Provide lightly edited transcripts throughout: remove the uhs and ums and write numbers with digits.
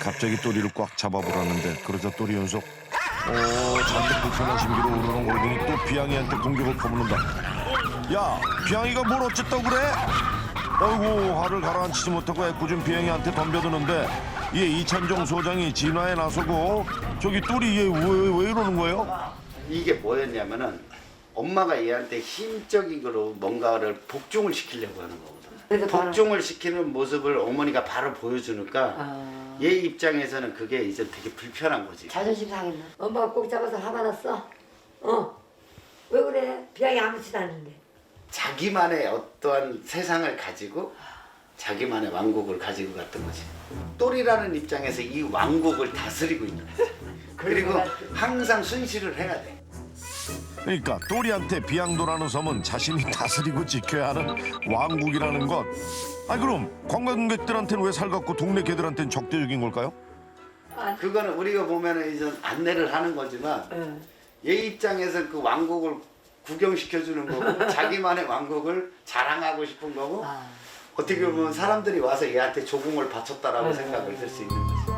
갑자기 또리를 꽉 잡아보라는데 그러자 또리 연속 잔뜩 불편한 심기로 우르렁 거리더니 또 비양이한테 공격을 퍼붓는다. 야, 비양이가 뭘 어쨌다고 그래? 아이고, 화를 가라앉히지 못하고 애꿎은 비양이한테 덤벼드는데 얘 이찬종 소장이 진화에 나서고 저기 또리 얘 왜 이러는 거예요? 이게 뭐였냐면은 엄마가 얘한테 힘적인 거로 뭔가를 복종을 시키려고 하는 거거든. 복종을 시키는 모습을 어머니가 바로 보여주니까 얘 입장에서는 그게 이제 되게 불편한 거지. 자존심 상했나? 엄마가 꼭 잡아서 화가 났어? 왜 그래? 비양이 아무렇지도 않은데. 자기만의 어떠한 세상을 가지고 자기만의 왕국을 가지고 갔던 거지. 또리라는 입장에서 이 왕국을 다스리고 있는 거지. 그리고 항상 순시를 해야 돼. 그러니까 또리한테 비양도라는 섬은 자신이 다스리고 지켜야 하는 왕국이라는 것. 아니 그럼 관광객들한테는 왜 살갑고 동네 개들한테는 적대적인 걸까요? 그거는 우리가 보면은 이제 안내를 하는 거지만 얘 입장에서 그 왕국을 구경시켜주는 거고 자기만의 왕국을 자랑하고 싶은 거고 어떻게 보면 사람들이 와서 얘한테 조공을 바쳤다라고 생각을 할 수 있는 거지.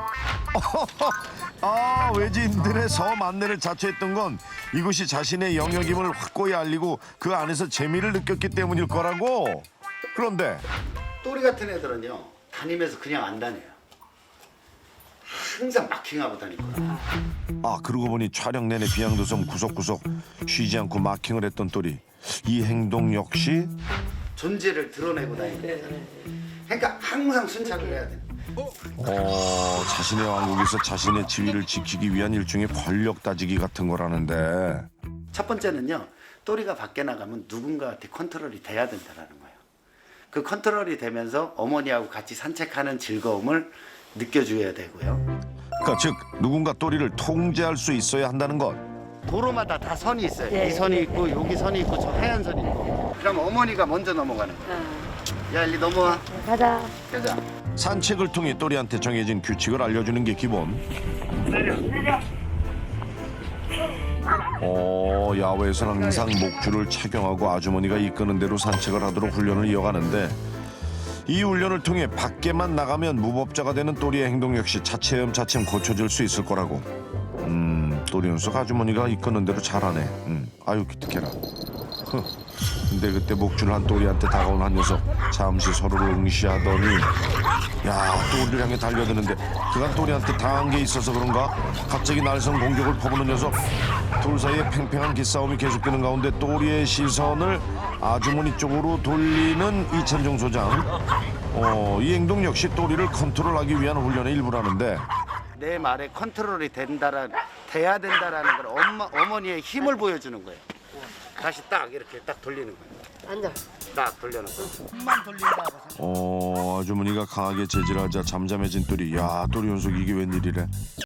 아, 외지인들의 섬 안내를 자처했던 건 이곳이 자신의 영역임을 확고히 알리고 그 안에서 재미를 느꼈기 때문일 거라고. 그런데 또리 같은 애들은요 다니면서 그냥 안 다녀요. 항상 마킹하고 다닐 거야. 그러고 보니 촬영 내내 비양도섬 구석구석 쉬지 않고 마킹을 했던 또리. 이 행동 역시 존재를 드러내고 다니는 거야. 그러니까 항상 순찰을 해야 돼. 자신의 왕국에서 자신의 지위를 지키기 위한 일종의 권력 따지기 같은 거라는데. 첫 번째는요 또리가 밖에 나가면 누군가한테 컨트롤이 돼야 된다라는 거예요. 그 컨트롤이 되면서 어머니하고 같이 산책하는 즐거움을 느껴줘야 되고요. 그러니까 즉 누군가 또리를 통제할 수 있어야 한다는 것. 도로마다 다 선이 있어요. 이 선이 있고 여기 선이 있고 저 하얀 선이 있고. 그럼 어머니가 먼저 넘어가는 거예요. 야 일리 넘어와. 가자. 가자. 산책을 통해 또리한테 정해진 규칙을 알려주는 게 기본. 야외에서는 항상 목줄을 착용하고 아주머니가 이끄는 대로 산책을 하도록 훈련을 이어가는데 이 훈련을 통해 밖에만 나가면 무법자가 되는 또리의 행동 역시 차츰차츰 고쳐질 수 있을 거라고. 또리 녀석 아주머니가 이끄는 대로 잘하네. 아유 기특해라. 근데 그때 목줄을 한 또리한테 다가온 한 녀석 잠시 서로를 응시하더니 야 또리를 향해 달려드는데 그간 또리한테 당한 게 있어서 그런가 갑자기 날선 공격을 퍼부는 녀석. 둘 사이에 팽팽한 기싸움이 계속되는 가운데 또리의 시선을 아주머니 쪽으로 돌리는 이찬종 소장. 이 행동 역시 또리를 컨트롤하기 위한 훈련의 일부라는데 내 말에 컨트롤이 돼야 된다라는 걸 어머니의 힘을 보여주는 거예요. 다시 딱 이렇게 딱 돌리는 거예요. 앉아. 딱 돌려놓고. 아주머니가 강하게 제지하자 잠잠해진 또리. 야 또리 연속 이게 웬일이래.